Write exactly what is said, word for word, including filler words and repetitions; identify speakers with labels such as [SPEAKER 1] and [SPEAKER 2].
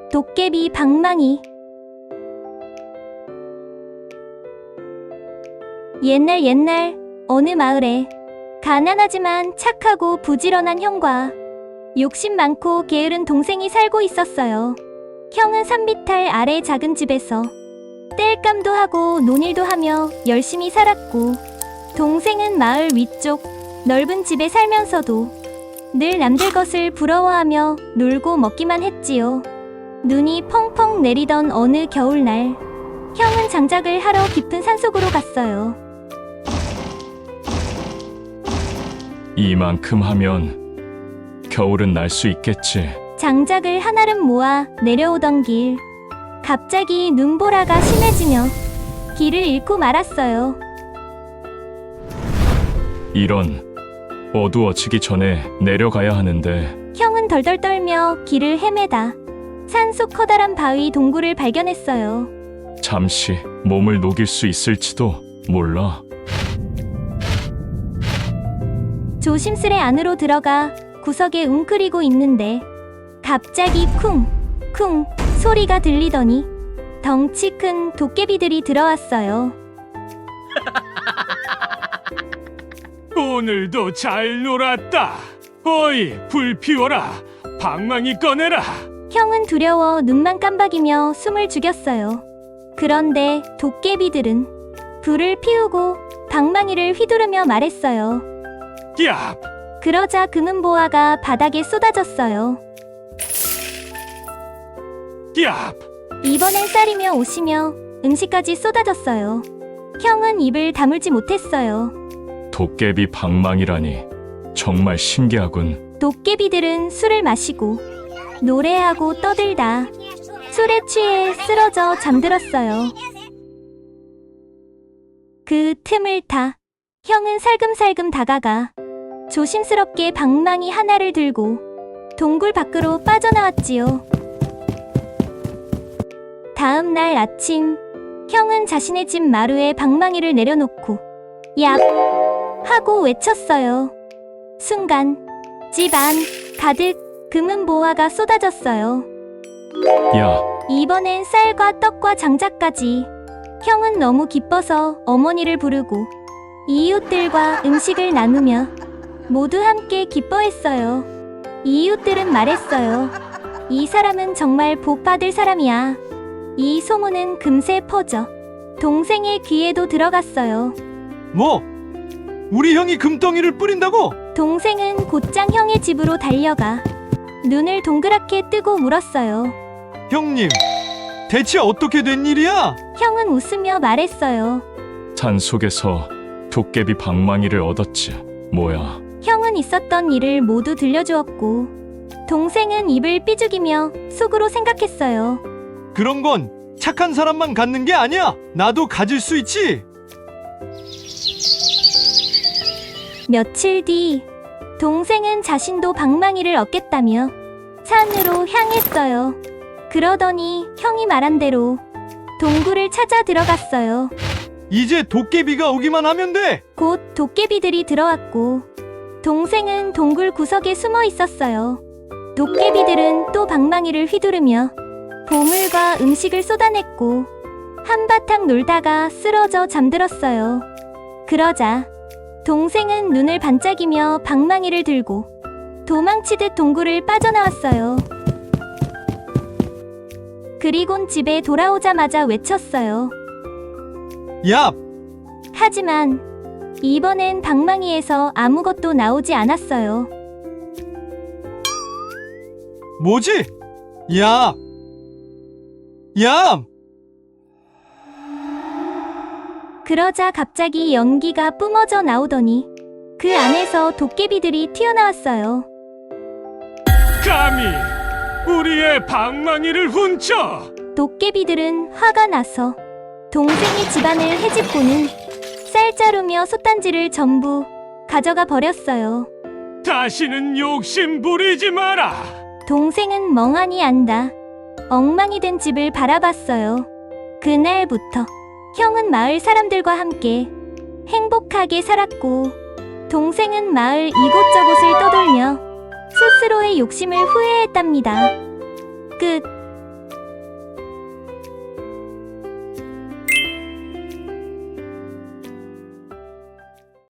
[SPEAKER 1] 도깨비 방망이. 옛날 옛날 어느 마을에 가난하지만 착하고 부지런한 형과 욕심 많고 게으른 동생이 살고 있었어요. 형은 산비탈 아래 작은 집에서 땔감도 하고 논일도 하며 열심히 살았고, 동생은 마을 위쪽 넓은 집에 살면서도 늘 남들 것을 부러워하며 놀고 먹기만 했지요. 눈이 펑펑 내리던 어느 겨울날, 형은 장작을 하러 깊은 산속으로 갔어요.
[SPEAKER 2] 이만큼 하면 겨울은 날 수 있겠지.
[SPEAKER 1] 장작을 한아름 모아 내려오던 길, 갑자기 눈보라가 심해지며 길을 잃고 말았어요.
[SPEAKER 2] 이런, 어두워지기 전에 내려가야 하는데.
[SPEAKER 1] 형은 덜덜 떨며 길을 헤매다 산속 커다란 바위 동굴을 발견했어요.
[SPEAKER 2] 잠시 몸을 녹일 수 있을지도 몰라.
[SPEAKER 1] 조심스레 안으로 들어가 구석에 웅크리고 있는데 갑자기 쿵! 쿵! 소리가 들리더니 덩치 큰 도깨비들이 들어왔어요.
[SPEAKER 2] 오늘도 잘 놀았다. 어이, 불 피워라. 방망이 꺼내라.
[SPEAKER 1] 형은 두려워 눈만 깜박이며 숨을 죽였어요. 그런데 도깨비들은 불을 피우고 방망이를 휘두르며 말했어요.
[SPEAKER 2] 야!
[SPEAKER 1] 그러자 금은보화가 바닥에 쏟아졌어요.
[SPEAKER 2] 야!
[SPEAKER 1] 이번엔 쌀이며 옷이며 음식까지 쏟아졌어요. 형은 입을 다물지 못했어요.
[SPEAKER 2] 도깨비 방망이라니 정말 신기하군.
[SPEAKER 1] 도깨비들은 술을 마시고 노래하고 떠들다 술에 취해 쓰러져 잠들었어요. 그 틈을 타 형은 살금살금 다가가 조심스럽게 방망이 하나를 들고 동굴 밖으로 빠져나왔지요. 다음 날 아침, 형은 자신의 집 마루에 방망이를 내려놓고 얍! 하고 외쳤어요. 순간 집 안 가득 금은보화가 쏟아졌어요.
[SPEAKER 2] 야!
[SPEAKER 1] 이번엔 쌀과 떡과 장작까지. 형은 너무 기뻐서 어머니를 부르고 이웃들과 음식을 나누며 모두 함께 기뻐했어요. 이웃들은 말했어요. 이 사람은 정말 복 받을 사람이야. 이 소문은 금세 퍼져 동생의 귀에도 들어갔어요.
[SPEAKER 3] 뭐? 우리 형이 금덩이를 뿌린다고?
[SPEAKER 1] 동생은 곧장 형의 집으로 달려가 눈을 동그랗게 뜨고 물었어요.
[SPEAKER 3] 형님, 대체 어떻게 된 일이야?
[SPEAKER 1] 형은 웃으며 말했어요.
[SPEAKER 2] 산 속에서 도깨비 방망이를 얻었지. 뭐야?
[SPEAKER 1] 형은 있었던 일을 모두 들려주었고, 동생은 입을 삐죽이며 속으로 생각했어요.
[SPEAKER 3] 그런 건 착한 사람만 갖는 게 아니야. 나도 가질 수 있지.
[SPEAKER 1] 며칠 뒤, 동생은 자신도 방망이를 얻겠다며 산으로 향했어요. 그러더니 형이 말한 대로 동굴을 찾아 들어갔어요.
[SPEAKER 3] 이제 도깨비가 오기만 하면 돼.
[SPEAKER 1] 곧 도깨비들이 들어왔고, 동생은 동굴 구석에 숨어 있었어요. 도깨비들은 또 방망이를 휘두르며 보물과 음식을 쏟아냈고 한바탕 놀다가 쓰러져 잠들었어요. 그러자 동생은 눈을 반짝이며 방망이를 들고 도망치듯 동굴을 빠져나왔어요. 그리곤 집에 돌아오자마자 외쳤어요.
[SPEAKER 3] 야,
[SPEAKER 1] 하지만 이번엔 방망이에서 아무것도 나오지 않았어요.
[SPEAKER 3] 뭐지? 야, 야!
[SPEAKER 1] 그러자 갑자기 연기가 뿜어져 나오더니 그 안에서 도깨비들이 튀어나왔어요.
[SPEAKER 2] 감히 우리의 방망이를 훔쳐!
[SPEAKER 1] 도깨비들은 화가 나서 동생의 집안을 헤집고는 쌀자루며 솥단지를 전부 가져가 버렸어요.
[SPEAKER 2] 다시는 욕심 부리지 마라!
[SPEAKER 1] 동생은 멍하니 앉아 엉망이 된 집을 바라봤어요. 그날부터 형은 마을 사람들과 함께 행복하게 살았고, 동생은 마을 이곳저곳을 떠돌며 스스로의 욕심을 후회했답니다. 끝.